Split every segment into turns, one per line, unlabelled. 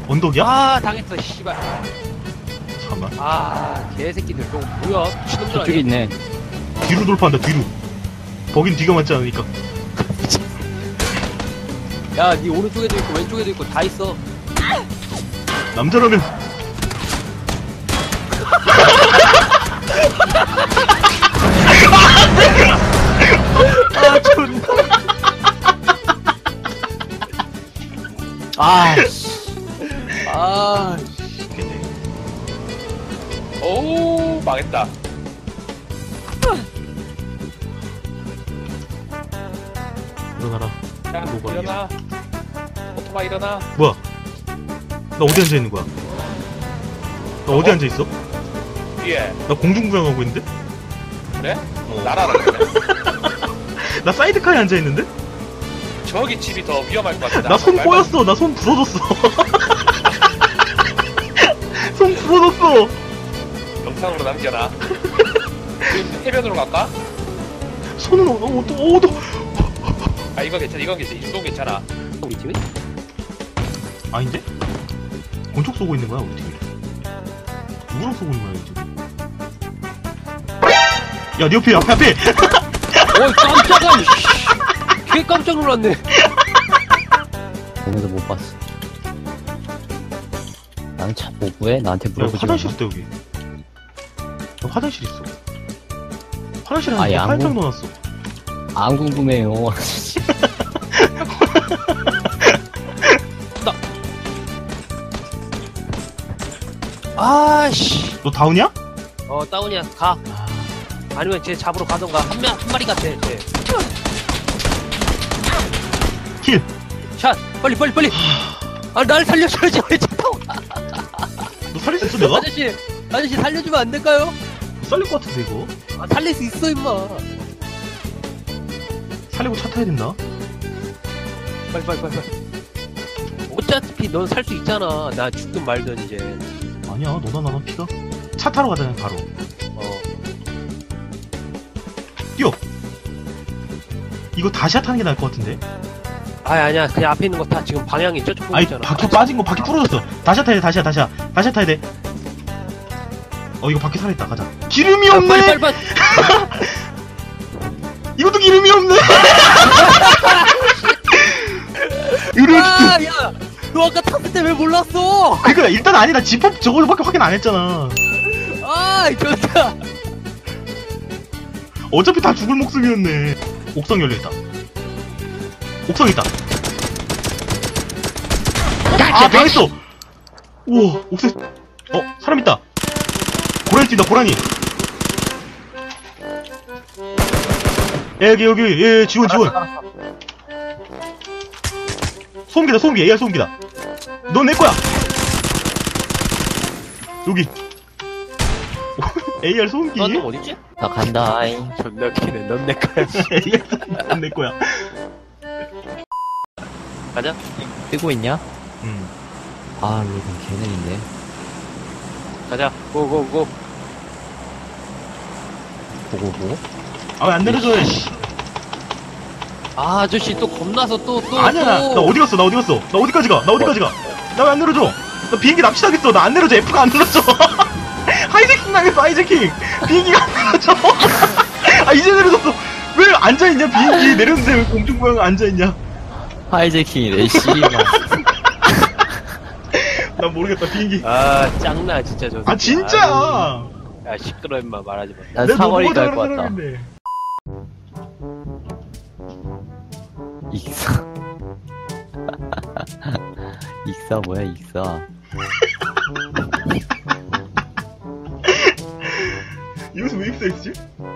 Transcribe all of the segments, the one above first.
언덕이야?
아 당했어 씨발.
잠깐만.
아 개새끼들 저거 뭐야 미친놈들
저쪽에
아니야?
있네.
뒤로 돌파한다, 뒤로. 거긴 뒤가 맞지 않으니까.
야니 오른쪽에도 있고 왼쪽에도 있고 다 있어.
남자라면.
아 존나. 아
오 망했다.
일어나라.
야
뭐가
일어나. 오토바이 일어나.
뭐야? 나 어디 앉아 있는 거야? 나 어디 앉아 있어?
위에.
나 공중부양하고 있는데?
그래?
어.
날아라 그래.
나 사이드카에 앉아 있는데?
저기 집이 더 위험할 것 같아.
나 손 꼬였어. 나 손 부러졌어. 손 부러졌어.
영상으로 남겨라. 지금 해변으로 갈까?
손은 어도.
아 이거 괜찮아. 이건 괜찮아. 이 정도 괜찮아.
우리 팀이?
아닌데? 권총 쏘고 있는 거야 우리 팀이. 누구랑 쏘고 있는 거야 지금? 야, 네 옆에 앞에.
어이 깜짝아. 개 깜짝 놀랐네.
보면서 못 봤어. 나는 참 뭐해? 나한테
야,
물어보지
화장실
마.
있다 여기. 야, 화장실 있어. 화장실
아예
안에
안
팔짱
보-
넣어놨어.
안 궁금해요.
아씨.
너 다운이야?
어 다운이야 가. 아니면 쟤 잡으러 가던가 한 마리 같아 쟤.
킬.
샷 빨리. 아 날 살려줘야지 왜 차 타고 가.
너 살릴 수 있어 내가?
아저씨 살려주면 안 될까요?
살릴 것 같은데 이거.
아 살릴 수 있어 임마.
살리고 차 타야 된다.
빨리. 어차피 넌 살 수 있잖아. 나 죽든 말든 이제.
아니야, 너나 나나 피가. 차 타러 가자 바로.
어.
뛰어. 이거 다시 타는 게 나을 것 같은데.
아니야 그냥 앞에 있는 거 다 지금 방향이 저쪽 보고
아니
있잖아.
바퀴 빠진 거 바퀴 부러졌어. 다시 타야 돼. 다시 타야 돼. 이거 바퀴 살아있다. 가자. 기름이
야,
없네.
빨리.
이것도 기름이 없네. 의료키트.
야, 너 아까 탔을 때 왜 몰랐어?
그니까 일단 아니다. 지퍼 저거밖에 확인 안 했잖아.
아, 좋다.
어차피 다 죽을 목숨이었네. 옥상 열려있다. 옥상 있다. 아, 당했어. 우와, 옥상. 사람 있다. 고라니 뛴다. 고라니. 여기 지원. 소음기다. AR 소음기다. 넌 내 거야. 여기. AR 소음기.
넌 어딨지?
나 간다잉.
존나 웃기네. 넌 내 거야.
AR 소음기 넌 내 거야.
가자.
뜨고 있냐?
음.
아, 이건 개능인데.
가자. 고고고.
보고.
아, 왜 안 내려줘, 씨.
아, 아저씨 또 겁나서 또.
아니야, 나 어디 갔어? 나 어디까지 가? 나 왜 안 내려줘? 나 비행기 납치당했어. 나 안 내려줘. F가 안 눌러줘. 하이제킹 당했어, 하이제킹. 비행기가 안 내려줘. 아, 이제 내려졌어. 왜 앉아있냐, 비행기. 내렸는데 왜 공중부양을 앉아있냐.
하이제킹이래, 씨발.
난 모르겠다, 비행기.
아, 짱나 진짜 저.
아, 진짜야.
야, 시끄러 임마 말하지 마.
난
내가
3월이
너보다
갈 것
다른
같다.
사람인데.
익사. 익사 뭐야, 익사.
여기서 왜 입사했지?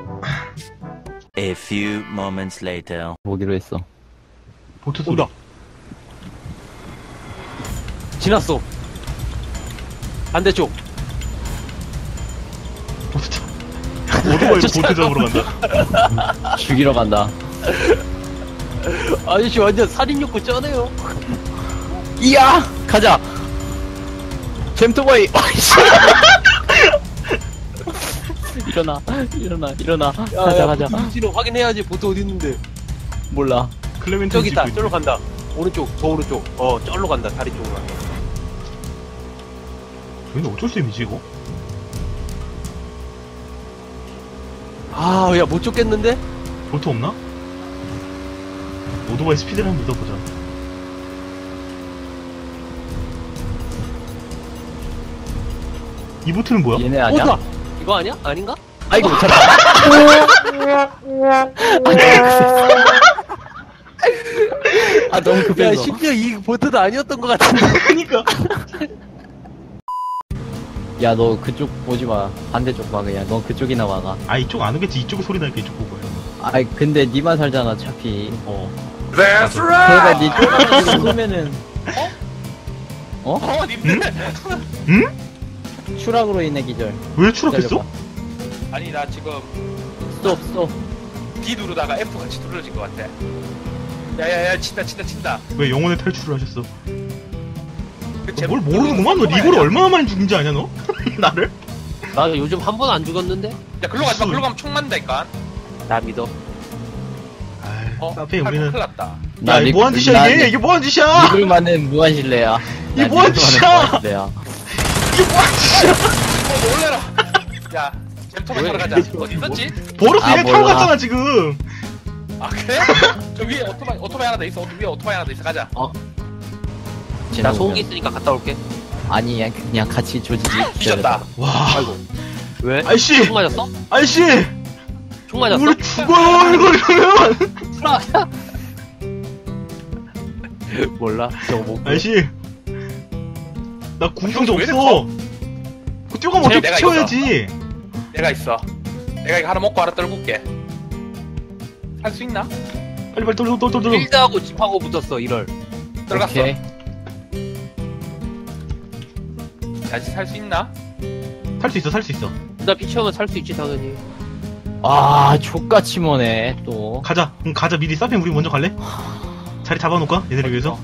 A few moments later.
보기로 했어.
보트 소리.
온다. 지났어. 반대쪽.
보트 차. 오토바이로 보트 잡으러 간다.
죽이러 간다.
아저씨 완전 살인욕구 쩌네요.
이야! 가자! 잼토바이! 일어나. 가자.
눈치로 확인해야지 보트 어디 있는데.
몰라.
클레멘트
저기 있다.
찍고
저로 간다. 오른쪽, 저 오른쪽. 저로 간다. 다리 쪽으로 간다.
근데 어쩔 셈이지 이거?
아, 야, 못 쫓겠는데?
볼트 없나? 오토바이 스피드를 한번 믿어보자. 이 보트는 뭐야?
얘네 아니야?
오다! 이거 아니야? 아닌가?
아이고, 잠깐. 아, 너무
야,
급해서.
심지어 이 보트도 아니었던 것 같은데.
그니까.
야, 너 그쪽 보지 마. 반대쪽 봐, 그냥. 넌 그쪽이나 와가.
아 이쪽 안 오겠지. 이쪽에 소리 나니까 이쪽 보고 해.
아이, 근데 니만 살잖아, 어차피.
That's
걔가 니 쫓아가지고 쏘면은.
님들.
추락으로 인해 기절.
왜 추락했어?
아니 나 지금
스톱.
D 누르다가 F 같이 눌러진 것 같아. 야야야 친다.
왜 영혼의 탈출을 하셨어?
그
너 뭘 모르는구만. 너 리고를 얼마나 많이 죽인지 아냐 너? 나를?
나 요즘 한 번 안 죽었는데?
야 글로 가지마. 글로 가면 총 맞는다니까.
나 믿어.
아이, 사페 우리는.
큰일 났다.
야, 이게 뭐한 짓이야 이게? 이게 뭐한 짓이야?
리글만은 무한실내야.
이게 뭐한 짓이야?
무한실내야.
이게 뭐한 짓이야?
놀래라. 야 잼터만 타러 가자. 어디 있었지?
버릇
아,
얘네 타고
몰라.
갔잖아 지금.
아 그래? 저 위에 오토바이 하나 더 있어. 위에 오토바이 하나 더 있어. 가자.
나 소음기 있으니까 갔다 올게.
아니, 그냥 같이 조지지.
뒤졌다.
와.
아이고. 왜?
아이씨.
총 맞았어?
아이씨.
총 맞았어?
우리 죽어요 이거 이러면.
몰라. 저거 못.
아이씨. 나 궁금도
왜 이래
없어. 그 뛰어가면 어떻게
내가
치워야지.
내가 있어. 내가 이거 하나 먹고 하나 떨굴게. 살 수 있나?
빨리 떨어.
필드하고 집하고 붙었어, 이럴.
들어갔어.
오케이.
다시 살 수 있나?
살 수 있어.
나 피치하면 살 수 있지, 당연히.
아, 족같이 머네, 또.
가자. 그럼 가자. 미리 사페 우리 먼저 갈래? 자리 잡아놓을까? 얘네를 위해서.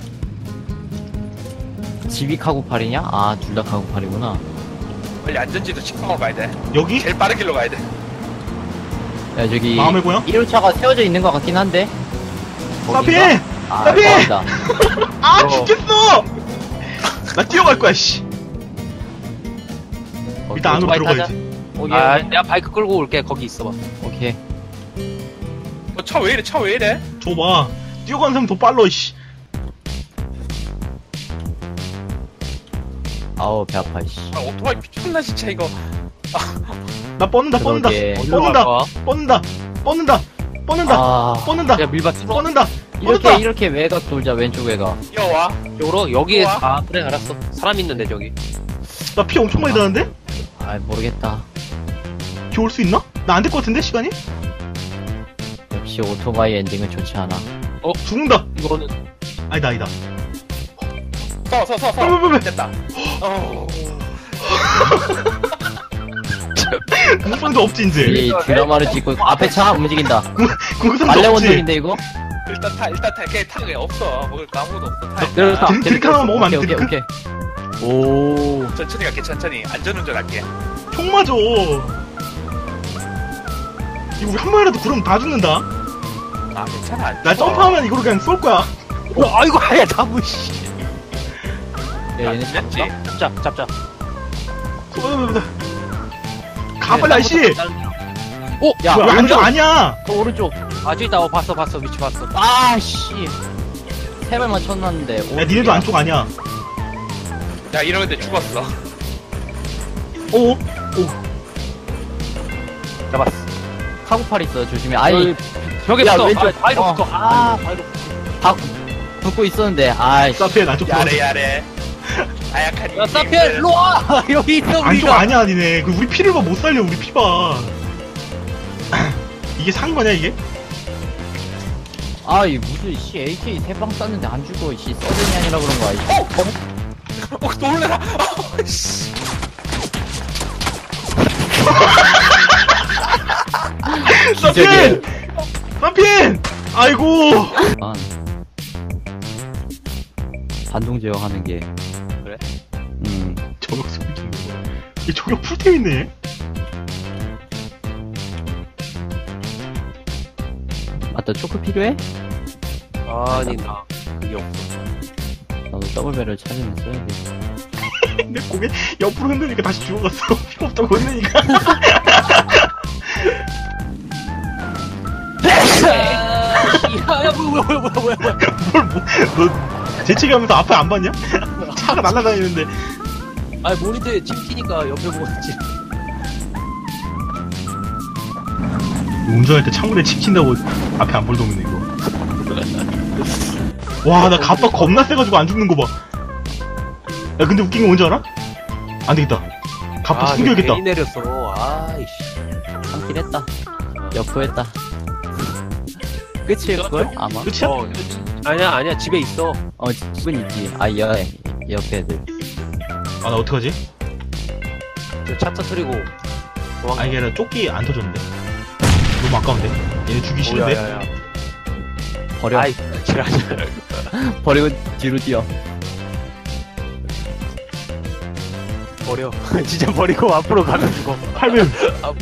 집이 카고팔이냐? 아, 둘 다 카고팔이구나.
빨리 안전지도 직방으로 가야 돼.
여기?
제일 빠른 길로 가야 돼.
야, 저기.
마음의 고향?
1호차가 세워져 있는 것 같긴 한데.
사페!
아,
사페!
맞다.
아 죽겠어! 나 뛰어갈 거야 씨. 일단 안으로
오토바이
들어가야지.
오케이.
아, 내가 바이크 끌고 올게. 거기 있어봐.
오케이.
차 왜 이래? 차 왜 이래?
줘봐. 뛰어가는 사람 더 빨라 씨.
아우, 배 아파, 씨.
아, 오토바이 미쳤나 진짜 이거.
나 뻗는다.
그러게.
뻗는다.
아,
뻗는다.
야, 밀밭 뚫어.
뻗는다.
이렇게 외곽 돌자, 왼쪽 외곽.
뛰어와.
쪽으로? 여기에,
우와.
아, 그래, 알았어. 사람 있는데, 저기.
나 피 엄청 많이 나는데?
아, 모르겠다.
피 올 수 있나? 나 안 될 것 같은데 시간이?
역시 오토바이 엔딩은 좋지 않아.
죽는다.
이거는.
아니다.
서.
왜.
됐다.
공성도 없지 이제.
이 드라마를 찍고 있고, 앞에 차 움직인다.
공성도
말레
없지.
원동인데, 이거?
일단 타. 그냥 타. 그냥 없어. 먹을 거 아무것도 없어. 타.
그렇다.
드링크 하나만 먹으면 안 돼,
오케이.
드링크?
오.
천천히 갈게. 천천히. 안전운전 할게.
총 맞아. 이거 한 마리라도 구르면 다 죽는다.
아 괜찮아.
나 점프하면 이거로 그냥 쏠 거야.
아이고, 야, 나무, 씨.
야, 얘네
됐지.
잡자.
가 빨리 아저씨.
오!
야,
뭐야,
오른쪽.
아니야.
오른쪽.
아, 저기 있다. 봤어. 위치 봤어.
아, 씨. 세 발만 쳤놨는데.
야 니네도 안쪽 아니야.
야 이러는데 죽었어.
오.
잡았어.
카고팔 있어, 조심해. 아이,
벽에
야,
붙어.
왼쪽.
바위로
어.
붙어. 아, 바위로
박, 붙고 있었는데, 아이씨.
사페 안쪽 들어가자.
야래. 아약한
야, 사피엘, 일로 와! 여기 있어,
안쪽
우리가.
아니야 니네. 그 우리 피를 봐 못 살려 우리 피 봐. 이게 산 거냐 이게?
아이, 무슨, 씨, AK 세 방 쐈는데 안 죽어, 씨. 서든이 아니라 그런 거야, 씨.
놀래라. 씨.
사페! 사페! 아이고.
아. 반동 제어하는 게.
그래?
저격 소리 좀 내봐. 얘 저격 풀템 있네.
맞다, 초크 필요해?
아니, 나 그게 없어.
나도 더블배럴 찾으면 써야지.
내 고개 옆으로 흔드니까 다시 죽어갔어. 필요 없다고 흔드니까.
야, 뭐야.
뭘, 너 재채기하면서 앞에 안 봤냐? 차가 날아다니는데.
아, 모니터에 찍히니까 옆에 보고 있지.
운전할 때 창문에 치킨다고 앞에 안 볼도 없네, 이거. 와, 나 갑박 겁나 세가지고 안 죽는 거 봐. 야, 근데 웃긴 거 뭔지 알아? 안 되겠다. 갑박 숨겨야겠다.
괜히 내렸어. 아이씨.
참긴 했다. 여포했다. 끝일 걸? 아마.
끝이야?
아니야. 집에 있어.
집은 있지. 아, 옆에 애들.
아, 나 어떡하지?
차 터트리고.
아, 이게 아니라 조끼 안 터졌는데. 너무 아까운데? 얘네 주기 싫은데?
야야야.
버려.
아이, 지랄하지.
버리고 뒤로 뛰어.
버려. 진짜 버리고 앞으로 가면 죽어.
8배율.
아.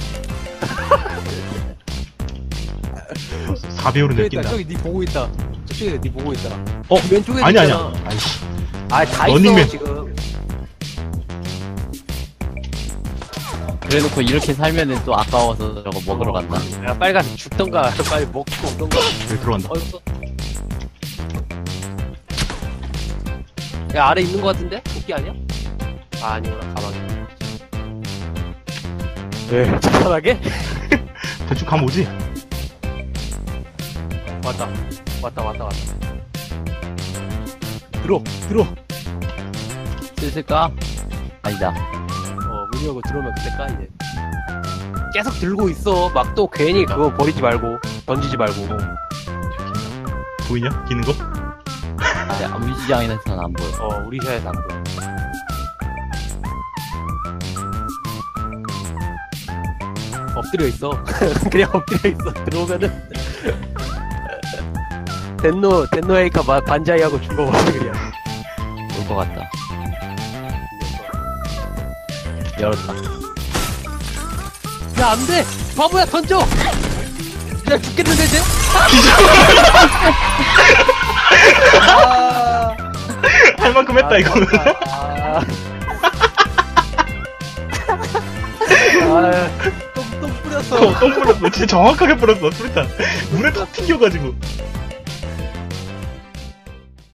4배율은
저기
느낀다.
있다. 저기 니 보고 있다. 저쪽에 니 보고 있다.
어?
왼쪽에
아니야,
있잖아.
아니야. 아이씨.
아, 다 있어
런닝맨.
지금.
그래놓고 이렇게 살면은 또 아까워서 저거 먹으러 간다.
야, 빨리 가서 죽던가. 빨리 먹고 오던가.
여기 들어간다.
어딨어? 야, 아래 있는 거 같은데? 도끼 아니야? 아, 아니구나. 가방에. 왜? 편하게?
대충 가면 오지?
왔다. 들어.
슬슬 까? 아니다.
문 열고 들어오면 그때 까, 이제. 계속 들고 있어. 막 또 괜히 그거 버리지 말고, 던지지 말고.
보이냐? 기는 거?
우리 시장에서는 안 보여.
우리 샤에서 안 보여. 엎드려 있어. 그냥 엎드려 있어. 들어오면은. 덴노에이카 반자이하고 죽어봐, 그냥.
올 것 같다. 열었다.
야, 안 돼! 바보야, 던져! 야, 죽겠는데, 쟤?
할 만큼 했다, 이거는.
똥 뿌렸어.
똥 뿌렸어. 진짜 정확하게 뿌렸어, 수리탄. 물에 턱 튀겨가지고.